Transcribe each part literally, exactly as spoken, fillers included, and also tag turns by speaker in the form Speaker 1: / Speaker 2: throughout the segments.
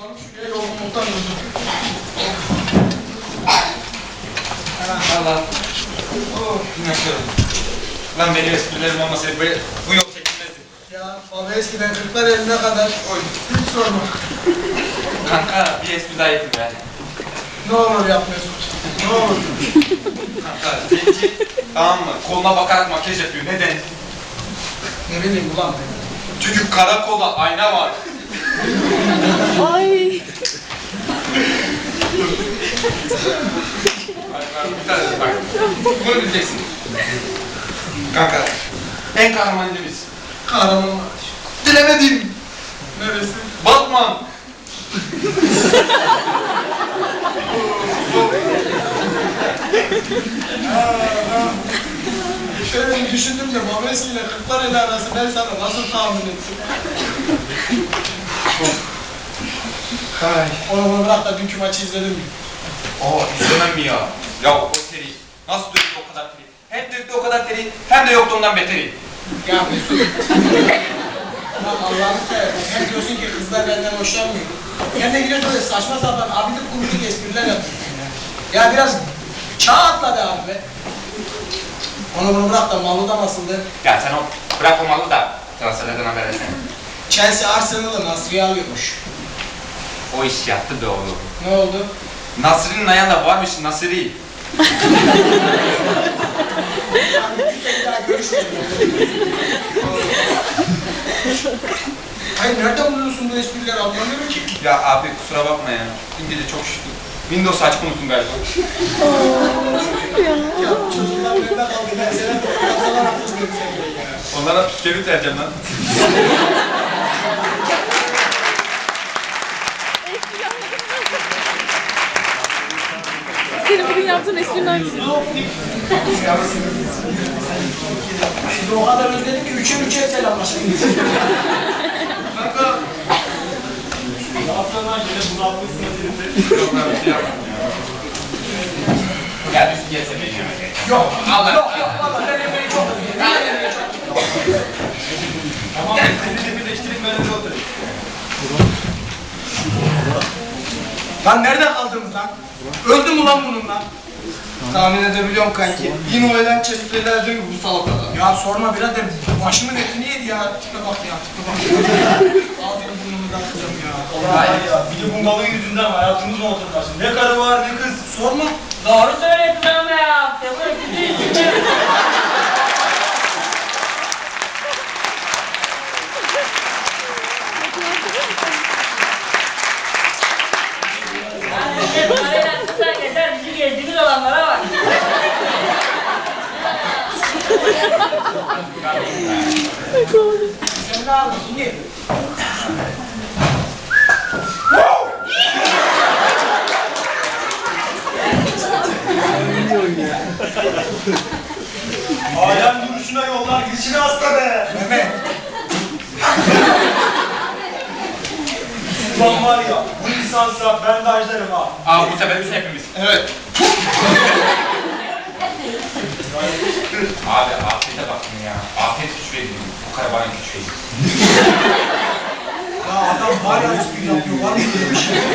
Speaker 1: Şuraya yorgunluktan öldüm.
Speaker 2: Allah. Oh, inanıyorum. Lan benim esprilerim olmasaydı böyle bu yol çekilmezdi.
Speaker 1: Ya baba eskiden kırklar eline kadar
Speaker 2: Oy.
Speaker 1: hiç sorma.
Speaker 2: Kanka bir espri daha yapayım yani.
Speaker 1: Ne olur yapmıyorsun. Ne olur.
Speaker 2: Kanka zenci tamam mı? Koluna bakarak makyaj yapıyor. Neden?
Speaker 1: Ne bileyim ulan ben.
Speaker 2: Çünkü karakolda ayna var.
Speaker 3: Ay.
Speaker 2: Bir tane bak. Bunu bileceksin. Kanka en kahraman ilimiz.
Speaker 1: Kahramanmaraş.
Speaker 2: Bilemedim.
Speaker 1: Neresi?
Speaker 2: Batman.
Speaker 1: Şöyle bir düşündüm de Babesi ile kırklar eli arası ben sana nasıl tahmin ettim?
Speaker 2: Ay.
Speaker 1: Onu bunu bırak da dünkü maçı izledin mi?
Speaker 2: Oo izlemem mi ya? Ya o seri nasıl döktü o kadar teri? Hem döktü o kadar teri hem de yoktu ondan beteri.
Speaker 1: Ya Mesut. Lan Allah'ını seversen hem diyorsun ki kızlar benden hoşlanmıyor. Hem de gidiyorsun böyle saçma sapan abidik gubidik espriler yapıyorsun ya. Ya biraz çağ atla be abi be. Onu bunu bırak da Mahmut nasıldı?
Speaker 2: Ya sen o bırak o malı da transferlerden haber etsene.
Speaker 1: Chelsea Arsenal'ı Nasri'ye alıyormuş.
Speaker 2: O iş yaptı be oğlum.
Speaker 1: Ne oldu?
Speaker 2: Nasri'nin ayağında varmış Nasri.
Speaker 1: Yani bir kere daha görüşmeyelim. Hayır nereden buluyorsun bu esprileri anlamıyorum ki.
Speaker 2: Ya abi kusura bakma ya. Dün gece çok üşüdüm. Windows açık unuttum galiba.
Speaker 1: Ya çocuklar bende kaldı ben sana yapsalar hatırlıyorum seni ya.
Speaker 2: Onlara püskevit vereceğim lan.
Speaker 3: Senin bugün yaptığın esprinin hangisi?
Speaker 1: Sizi o kadar özledim ki üçe üçe selamlaştık.
Speaker 2: Kanka.
Speaker 4: Haftalar yine bunaltmışsın hadi.
Speaker 2: Yok lan bir şey yapmadım ya. Gel üstü gelse beni yemek.
Speaker 1: Yok,
Speaker 2: Allah.
Speaker 1: yok, yok valla ben Emre'yi çok özledim. Ben Emre'yi çok özledim.
Speaker 4: Tamam sizi de birleştirip önünde oturun.
Speaker 1: Lan nereden kaldınız lan? Öldü mü lan bunun lan?
Speaker 2: Tahmin edebiliyorum kanki. Yine o eden çeşitlerden gibi bu salak adam.
Speaker 1: Ya sorma birader, başımın etini yedi ya. Tipe bak ya, tipe bak ya. Ağzını burnumu da kızım ya.
Speaker 4: Hayır ya, bir de bu malın yüzünden hayatımız mı oturmasın? Ne karı var ne kız.
Speaker 1: Sorma.
Speaker 5: Doğru söyledin ama ya. Tebrik ederim. Yani bir de parayla kızlar yeter. Bizi gezdiğimiz olanlara bak.
Speaker 1: Sen ne aldın? Niye?
Speaker 4: Alem duruşuna yollar gidişine hasta be.
Speaker 1: Mehmet.
Speaker 4: Ulan var ya, bu lisansa ben de ajlarım ha.
Speaker 2: Aa bu sefer biz hepimiz.
Speaker 1: Evet.
Speaker 2: Abi afiyete bakın ya. Afiyet güç veriyor. Bu kadar bana güç veriyor.
Speaker 1: Ya adam var ya espri yapıyor, var mı böyle bir şey?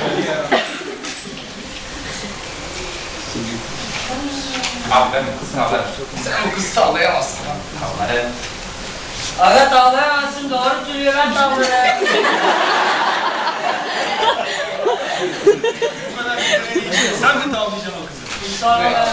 Speaker 2: Abi ben bu kızı tavlarım. Sen bu kızı tavlayamazsın. Tavlarım.
Speaker 5: Evet ağlayamazsın. Doğru söylüyor. Ben tavırım.
Speaker 4: Bu kadar güzel için sen mi tavlayacaksın o kızı?
Speaker 5: Sonra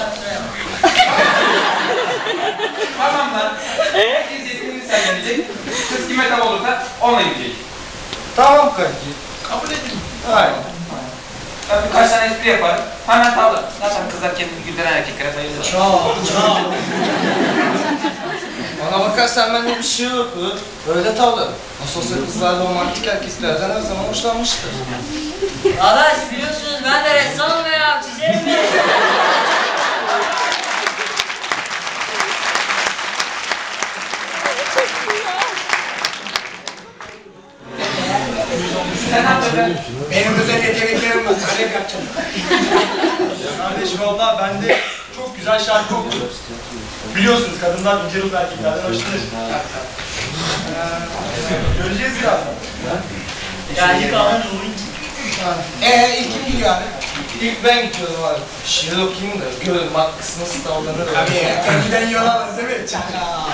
Speaker 2: Tamam lan. Herkes yetkili sergilecek. Kız kime tav olursa onunla gidecek.
Speaker 1: Tamam kanki. Kabul edin.
Speaker 2: Hayır. Ben birkaç tane espri yaparım. Hemen tavla. Zaten kızlar kendini güldüren erkeklere bayılır.
Speaker 1: Çağ, çağ.
Speaker 6: Bana bakarsan bende bir şey yok. Öyle tavla. Nasıl olsa kızlar da romantik erkeklerden her zaman hoşlanmıştır.
Speaker 5: Arkadaş biliyorsunuz ben de ressamım ya. Çizerim mi?
Speaker 2: Sen ne yapacaksın?
Speaker 1: Benim özel yeteneklerim var, kalem yapacağım.
Speaker 4: Kardeşim valla bende çok güzel şarkı okudum. Biliyorsunuz kadınlar ince ruhlu erkeklerden hoşlanır. Ee, Göreceğiz birazdan.
Speaker 5: Geldik ağın
Speaker 1: Ee ilk kim gidiyor abi?
Speaker 6: İlk ben gidiyorum abi. Şiir okuyayım da görün bak kız nasıl davranır.
Speaker 1: Abi ya, önceden yol alırız değil mi? Çakal.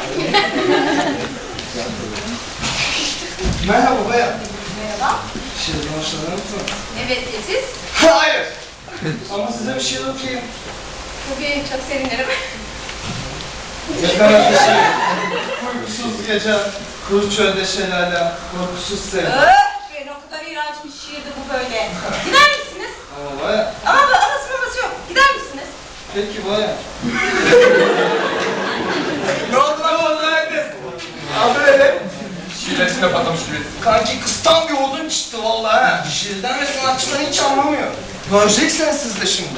Speaker 1: Merhaba bayan.
Speaker 3: Merhaba.
Speaker 6: Şiirden hoşlanır mısın?
Speaker 3: Evet, e, siz?
Speaker 6: Hayır. Ama size bir şiir okuyayım.
Speaker 3: Tabii, çok sevinirim.
Speaker 6: Yakar bir şey. Uykusuz gece, kuru çölde şelale, korkusuz sevda.
Speaker 3: Öf, ben o kadar iğrenç bir şiirdi bu böyle. Gider misiniz?
Speaker 6: Ama baya.
Speaker 3: Ama bu anası babası yok. Gider misiniz?
Speaker 6: Peki baya.
Speaker 1: Ne oldu lan? Ne oldu lan?
Speaker 6: Abi öyle.
Speaker 2: Şiirlerisine patlamış gibi.
Speaker 6: Kanki kıstan bir odun çıktı vallahi ha. Şiirden ve sanatçıdan hiç anlamıyor. Göreceksiniz siz de şimdi.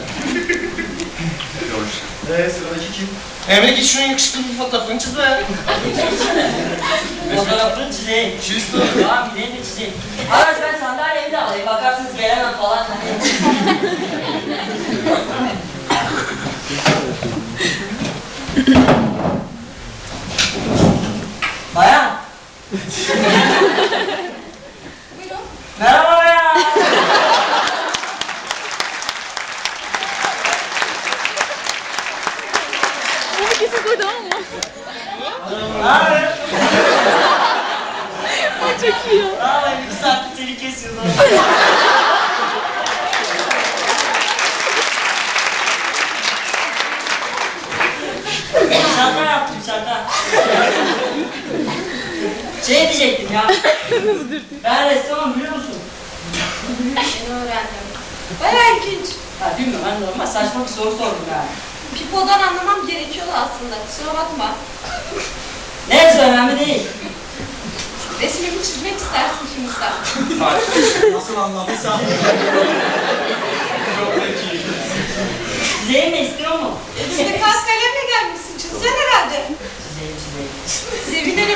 Speaker 6: Eee sıradaki kim? Emre git şunun yakışıklı bir fotoğrafını çiz be.
Speaker 5: Fotoğrafını çizeyim.
Speaker 6: Çiz
Speaker 5: Tamam gideyim de çizeyim. Arkadaş ben sandalyemi de alayım. Bakarsınız gelemem falan. Bayan.
Speaker 3: Buyurun.
Speaker 5: Merhaba bayan.
Speaker 7: Herkesi koydu ama.
Speaker 5: Ne haber?
Speaker 7: Ay çok iyi ya.
Speaker 5: Ne yapayım? İki saattir seni kesiyorlar. Şaka yaptım şaka. Şey diyecektim ya. Ben ressamım biliyor musun?
Speaker 3: Yeni öğrendim. Bayağı ilginç.
Speaker 5: Ha bilmiyorum ben normal saçma bir soru sordum yani.
Speaker 3: Pipo'dan anlamam gerekiyordu aslında. Kusura bakma.
Speaker 5: Neyse önemli değil.
Speaker 3: Resmimi çizmek istersin şimdi sen.
Speaker 1: Nasıl anladıysa.
Speaker 5: Çizeyim mi istiyor mu?
Speaker 3: Şimdi kas kalemle gelmişsin. Çizeceksin herhalde.
Speaker 5: Çizeyim çizeyim.
Speaker 3: Sevinirim.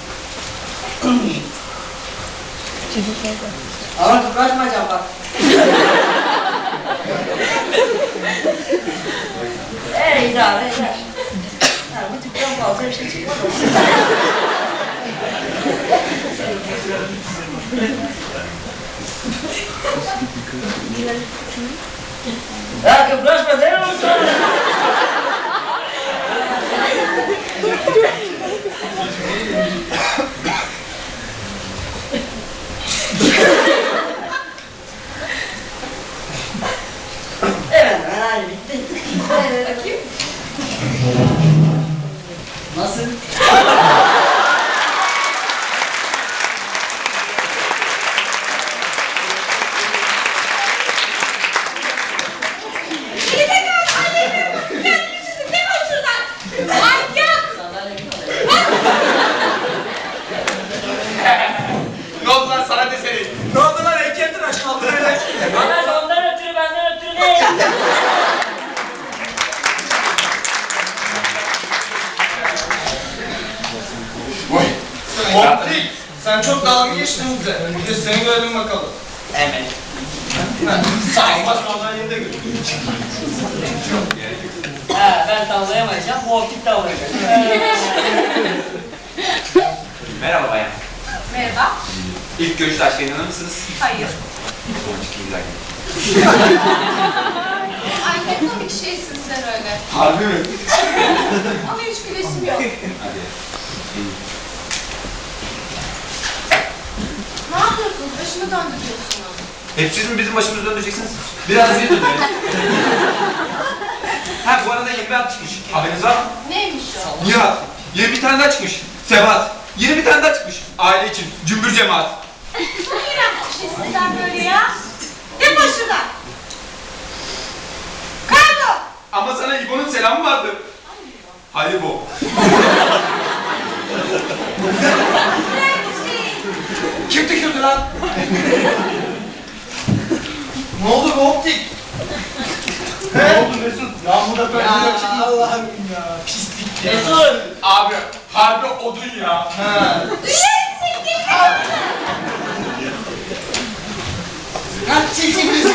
Speaker 5: Ama kıpraşmayacağım bak. Eee idare eder. Ha, bu tipten fazla bir şey çıkmadı. Ya kıpraşma değil mi bu sonra? Evet, hadi bitti.
Speaker 3: Evet. Bakayım.
Speaker 5: Nasıl?
Speaker 3: Geri tekrar kalemim. Kendini çizin. Ne var şuradan? Manyak.
Speaker 5: Sandalye mi kalıyor?
Speaker 2: Ne oldu lan sanat eseri?
Speaker 1: Ne oldu lan? Heykeltıraş kaldı öyle.
Speaker 5: Bana ondan ötürü benden ötürü değil.
Speaker 6: Optik. Sen çok dalga geçtin bize. Bir de seni görelim bakalım.
Speaker 2: Evet.
Speaker 6: Saçma sandalyeni de gör.
Speaker 5: He ben tavlayamayacağım, bu optik tavlayacak.
Speaker 2: Merhaba bayan.
Speaker 3: Merhaba.
Speaker 2: İlk görüşte aşka inanır mısınız?
Speaker 3: Hayır.
Speaker 2: Çok güzel.
Speaker 3: Ay ne komik şeysin sen öyle.
Speaker 2: Harbi mi?
Speaker 3: Ama hiç gülesim yok.
Speaker 2: Hadi.
Speaker 3: Ne yapıyorsunuz? Başımı döndürüyorsunuz.
Speaker 2: Hep siz mi bizim başımızı döndüreceksiniz? Biraz iyi dönün. Ha bu arada yeni bir at çıkmış. Haberiniz var mı?
Speaker 3: Neymiş o?
Speaker 2: Nihat. Yeni bir tane daha çıkmış. Sebat. Yeni bir tane daha çıkmış. Aile için. Cümbür cemaat.
Speaker 3: Ne iğrenç bir şey sizden böyle ya? Defol şuradan. Kaybol.
Speaker 2: Ama sana İbo'nun selamı vardı. Hayır bu.
Speaker 3: İğrenç değil.
Speaker 1: Kim tükürdü lan?
Speaker 6: Ne oldu bu Optik? Ne oldu Mesut? Ya burada böyle
Speaker 1: Ya
Speaker 6: bir açık.
Speaker 1: Allah'ım ya. Pislik ya.
Speaker 5: Mesut!
Speaker 2: Abi harbi odun ya.
Speaker 6: Ha.
Speaker 1: Ha çek çek çek.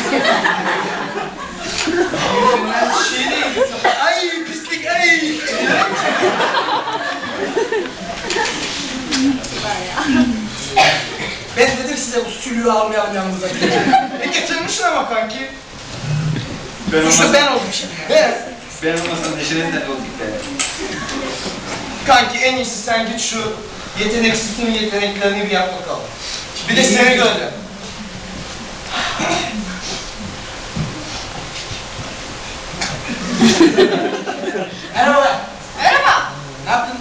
Speaker 6: Ben şey değil.
Speaker 1: Ay pislik ay. Ben dedim size bu sülüğü almayalım yanımıza. E getir
Speaker 6: Yakışmışsın ama kanki.
Speaker 2: Ben
Speaker 1: Suçlu
Speaker 2: olmasam,
Speaker 1: ben oldum şimdi.
Speaker 6: Evet.
Speaker 2: ben olmasam Neşe'nin de olduk be.
Speaker 6: Kanki en iyisi sen git şu yeteneksizliğin yeteneklerini bir yap bakalım. Bir de seni görelim.
Speaker 1: Merhaba.
Speaker 3: Merhaba.
Speaker 1: Ne yaptın?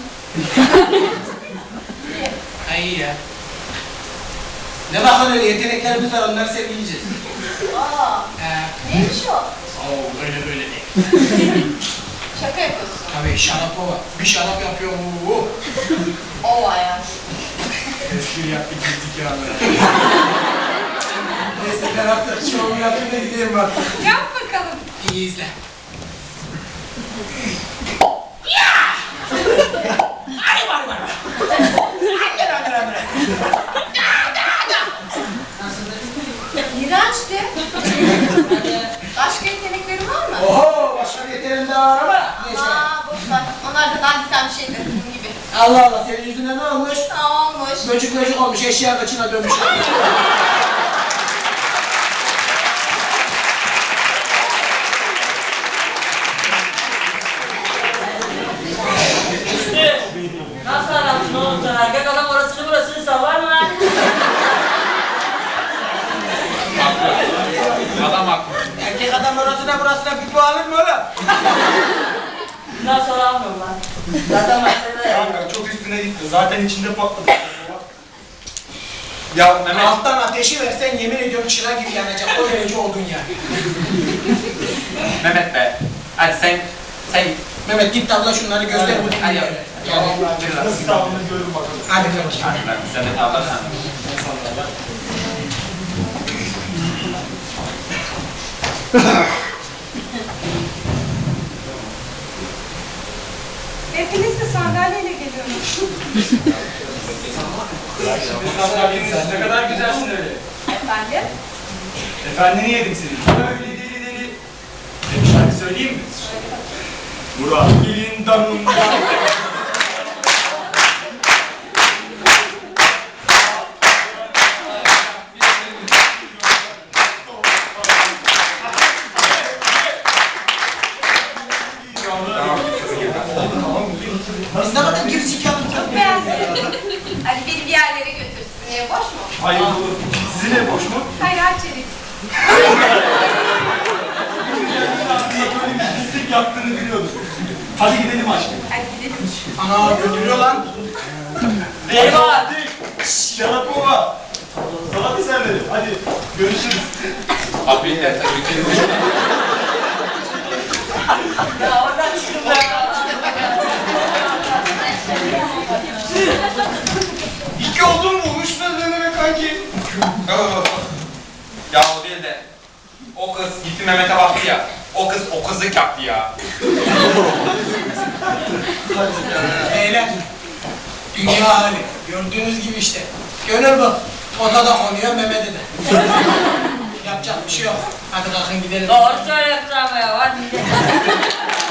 Speaker 1: Ha iyi ya. Ne bakın öyle yeteneklerimiz var onları sergileyeceğiz.
Speaker 3: Aa,
Speaker 1: Ee,
Speaker 3: neymiş o?
Speaker 1: Oo öyle böyle değil.
Speaker 3: Şaka yapıyorsun.
Speaker 1: Tabii şarap o var. Bir şarap yapıyor bu.
Speaker 3: Ova ya.
Speaker 4: Espri yaptık gittik ya.
Speaker 1: Neyse ben artık şovumu yapayım da gideyim artık.
Speaker 3: Yap bakalım.
Speaker 1: İyi izle. Ay var var.
Speaker 3: İğrençti. Başka yeteneklerin var mı?
Speaker 1: Oho başka bir yeteneğim daha var ama. Neyse.
Speaker 3: Aa, boş ver. Onlar da dandiken bir şeydir bunun gibi.
Speaker 1: Allah Allah senin yüzünden ne olmuş?
Speaker 3: Aa, olmuş.
Speaker 1: Böcük böcük olmuş eşya kaçına dönmüş.
Speaker 5: Nasıl adamsın oğlum sen? Erkek adam orasını burasını savar mı lan?
Speaker 2: Adam haklı.
Speaker 1: Erkek adam orasına burasına pipo alır mı oğlum?
Speaker 5: Nasıl alamıyorum lan? Zaten başta da
Speaker 4: Kanka çok üstüne gitti. Zaten içinde patladı.
Speaker 2: Ya Mehmet,
Speaker 1: Alttan ateşi versen yemin ediyorum çıra gibi yanacak. O derece oldun yani.
Speaker 2: Mehmet be. Hadi sen, sen
Speaker 1: Mehmet git tavla şunları göster bu
Speaker 2: Hadi.
Speaker 1: dünyaya. Yani.
Speaker 4: Nasıl kaldığını görün bakalım.
Speaker 1: Hadi bakayım.
Speaker 2: Hadi lan sen de tavlarsan.
Speaker 3: Hepiniz de sandalyeyle geliyorsunuz.
Speaker 4: Ne kadar güzelsin öyle.
Speaker 3: Efendim?
Speaker 4: Efendini yedik seni. Öyle deli deli. Bir şarkı söyleyeyim mi? Murat Bilin damında.
Speaker 1: Biz de bakın geri zekalı.
Speaker 3: Çok beğendim. Hadi beni bir yerlere götürsün. Niye boş mu?
Speaker 4: Hayır olur. Sizin ev boş mu?
Speaker 3: Hayır, Çelik.
Speaker 4: Böyle bir pislik yaptığını biliyordum. Hadi gidelim aşkım.
Speaker 3: Hadi gidelim.
Speaker 1: Ana götürüyor lan.
Speaker 4: Eyvah! Şşş, Yarapova! Sanat eserleri. Hadi görüşürüz.
Speaker 2: Abi de tabii ki.
Speaker 5: Ya oradan çıktım ben.
Speaker 6: İki oldun mu? Üç ne demek kanki?
Speaker 2: Ya o değil de. O kız gitti Mehmet'e baktı ya. O kız o kızlık yaptı ya.
Speaker 1: Beyler. Dünya hali. Gördüğünüz gibi işte. Gönül bu. Ota da konuyor Mehmet'e de. Yapacak bir şey yok. Hadi kalkın gidelim.
Speaker 5: Doğru söylüyorsun ama ya. Hadi gidelim.